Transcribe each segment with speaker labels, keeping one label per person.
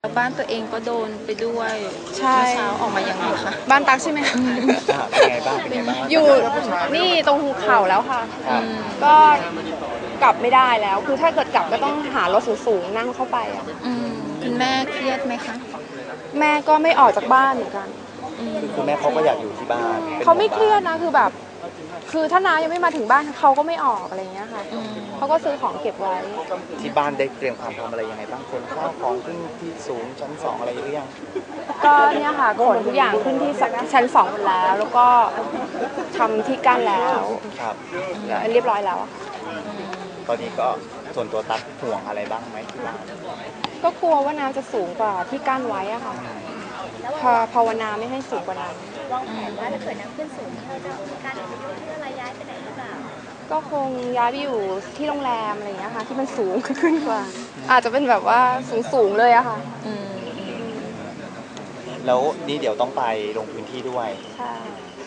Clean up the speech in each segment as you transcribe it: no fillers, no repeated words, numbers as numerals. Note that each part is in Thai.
Speaker 1: บ้านตัวเองก็โดนไปด้วย
Speaker 2: ใช่
Speaker 1: เช้าออกมายังไงคะ
Speaker 2: บ้านตักใช่ไหม
Speaker 3: เป็นไงบ้างเป็นไงบ้าง
Speaker 2: อยู่นี่ตรงภูเขาแล้วค่ะก็กลับไม่ได้แล้วคือถ้าเกิดกลับก็ต้องหารถสูงๆนั่งเข้าไปอ่ะ
Speaker 1: คุณแม่เครียดไหมคะ
Speaker 2: แม่ก็ไม่ออกจากบ้านเหมือนกัน
Speaker 3: คือแม่เขาก็อยากอยู่ที่บ้าน
Speaker 2: เขาไม่เครียดนะคือแบบคือถ้าน้ายังไม่มาถึงบ้านเขาก็ไม่ออกอะไรเงี้ยค่ะเขาก็ซื้อของเก็บไว้
Speaker 3: ที่บ้านได้เตรียมความพร้อมอะไรยังไงบ้างคนข้าวของขึ้นที่สูงชั้น2อะไรหรือยัง
Speaker 2: ก็เนี่ยค่ะขนทุกอย่างขึ้นที่ชั้น2หมดแล้วก็ทำที่กั้นแล้วเรียบร้อยแล้ว
Speaker 3: ตอนนี้ก็ส่วนตัวตัดห่วงอะไรบ้างไหมที่บ้าน
Speaker 2: ก็กลัวว่าน้ำจะสูงกว่าที่กั้นไว้อะค่ะภาวนาไม่ให้สูงกว่านั้น
Speaker 4: วางแผนว่าถ้าเกิดน้ำขึ้นสูงเราจะมีการอยู่ที่อะไรย้ายไปไหนหรือเปล่า
Speaker 2: ก็คงย้ายไปอยู่ที่โรงแรมอะไรอย่างเงี้ยค่ะที่มันสูงขึ้นกว่าอาจจะเป็นแบบว่าสูงเลยอะค่ะ
Speaker 3: แล้วนี่เดี๋ยวต้องไปลงพื้นที่ด้วย
Speaker 2: ใช่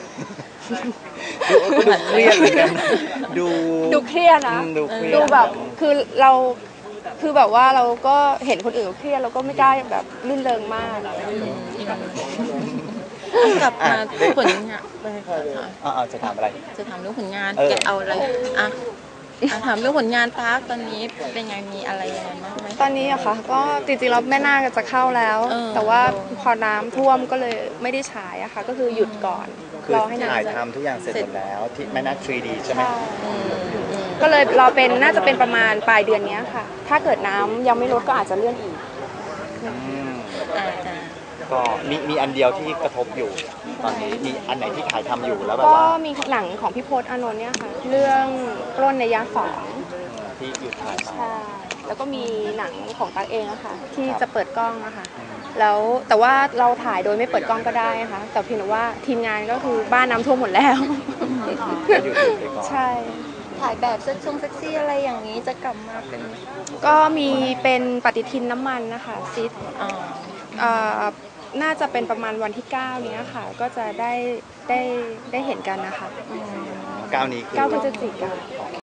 Speaker 3: ดูเครียดเหมือนกัน
Speaker 2: ดูเครียดนะดูแบบคือเราคือแบบว่าเราก็เห็นคนอื่นเครียดเราก็ไม่กล้าแบบลื่นเริงมาก
Speaker 1: กลับมาผลงาน
Speaker 3: จะถามอะไร
Speaker 1: จะถามเรื่องผลงานแกเอาอะไรถามเรื่องผลงานตากตอนนี้เป็นไงมีอะไรยังไงบ้างไหม
Speaker 2: ตอนนี้อะค่ะก็จริงๆแล้วแม่นาคจะเข้าแล้วแต่ว่าพอน้ำท่วมก็เลยไม่ได้ฉายอะค่ะก็คือหยุดก่อน
Speaker 3: รอให้ถ่ายทำทุกอย่างเสร็จหมดแล้วที่แม่นาค 3D ใช่ไหม
Speaker 2: ก็เลยรอเป็นน่าจะเป็นประมาณปลายเดือนนี้ค่ะถ้าเกิดน้ำยังไม่ลดก็อาจจะเลื่อนอีก
Speaker 3: ก็มีอันเดียวที่กระทบอยู่ตอนนี้มีอันไหนที่ถ่ายทำอยู่แล้วแบบ
Speaker 2: ว่า
Speaker 3: ก็
Speaker 2: มีหนังของพี่พจน์อานนท์เนี่ยค่ะเรื่องปล้นในยะ2
Speaker 3: ที่หยุดถ่ายไป
Speaker 2: ใช่แล้วก็มีหนังของตั๊กเองอะค่ะที่จะเปิดกล้องอะค่ะแล้วแต่ว่าเราถ่ายโดยไม่เปิดกล้องก็ได้นะคะแต่เพียงแต่ว่าทีมงานก็คือบ้านน้ำท่วมหมดแล้วใช่
Speaker 1: ถ่ายแบบเซ็กซี่อะไรอย่างนี้จะกลับมาเป็น
Speaker 2: ก็มีเป็นปฏิทินน้ำมันนะคะซิดน่าจะเป็นประมาณวันที่9นี้ค่ะก็จะได้เห็นกันนะคะ
Speaker 3: 9นี้คือ
Speaker 2: 9 พฤศจิกายน